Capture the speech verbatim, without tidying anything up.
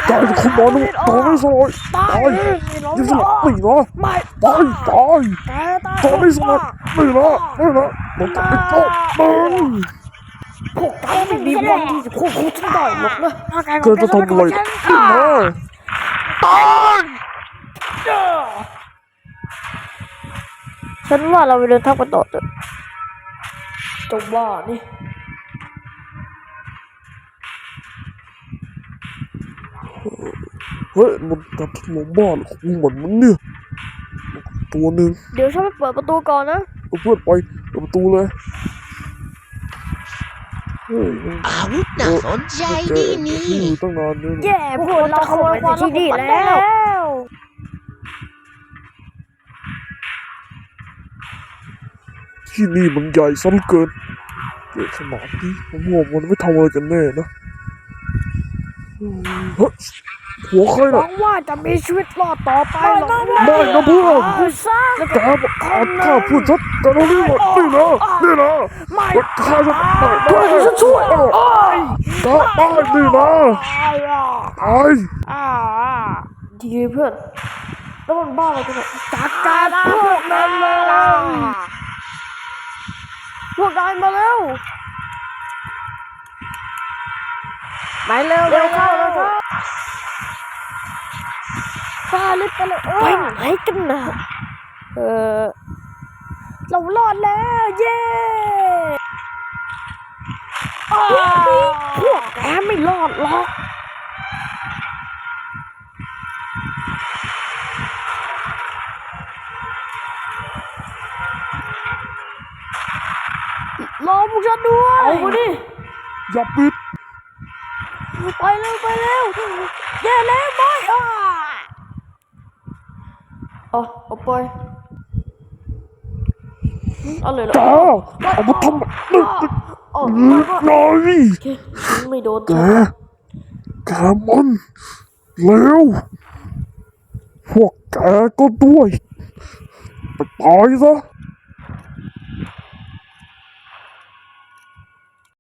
ตายคุณบอลลูกตายไม่สลายตายยิ่งสลายไม่นะตายตายตายไม่สลายไม่นะไม่นะมันจะไปโต๊ะมันพวกแกไม่มีวันที่จะควบคุมฉันได้หรอกนะเธอจะทำอะไรขึ้นมาตายฉันว่าเราไปเดินทางกันต่อเถอะจงว่านี่เฮ้ยมันจะถล่มบ้านของมันมันเนี่ยตัวหนึ่งเดี๋ยวฉันไปเปิดประตูก่อนนะเพื่อนไปเปิดประตูเลยอาวุธน่าสนใจดีนี่ตั้งนานเนี่ยแย่พวกเราขโมยความที่นี่แล้วที่นี่มันใหญ่ซะเหลือเกินใหญ่ขนาดนี้ผมว่ามันไม่ทำอะไรกันแน่นะเฮ้ยหัวใครหวัน่ะงว่าจะมีชีวิตรอดต่อไปหรอกไม่นะเพื่อนซะแกบอกขาดข้าพูดชัดแต่เรานี่หมดนี่นะนี่นะไม่ข้าจะตายเพื่อนฉันช่วยโอ้ยตายตายนี่นะตายอ่าดีเพื่อนแล้วมันบ้าอะไรกันเนี่ยจัดการพวกนั้นเลยพวกนายมาเร็วไปเร็วเร็วเข้าเร็วเข้าฟาลิปไปเลยไปไหนกันนะเออเรารอดแล้วเย้พวกแกไม่รอดหรอกรอพวกฉันด้วยเอามาดิอย่าปิดไปเร็วไปเร็วแย่แล้วไม่อ่ะเอาเอาไปเอาเลยเหรอจ้าเอามาทำแบบนี้โอ้น้อยฉันไม่โดนแกแกมันเร็วพวกแกก็ด้วยไปตายซะ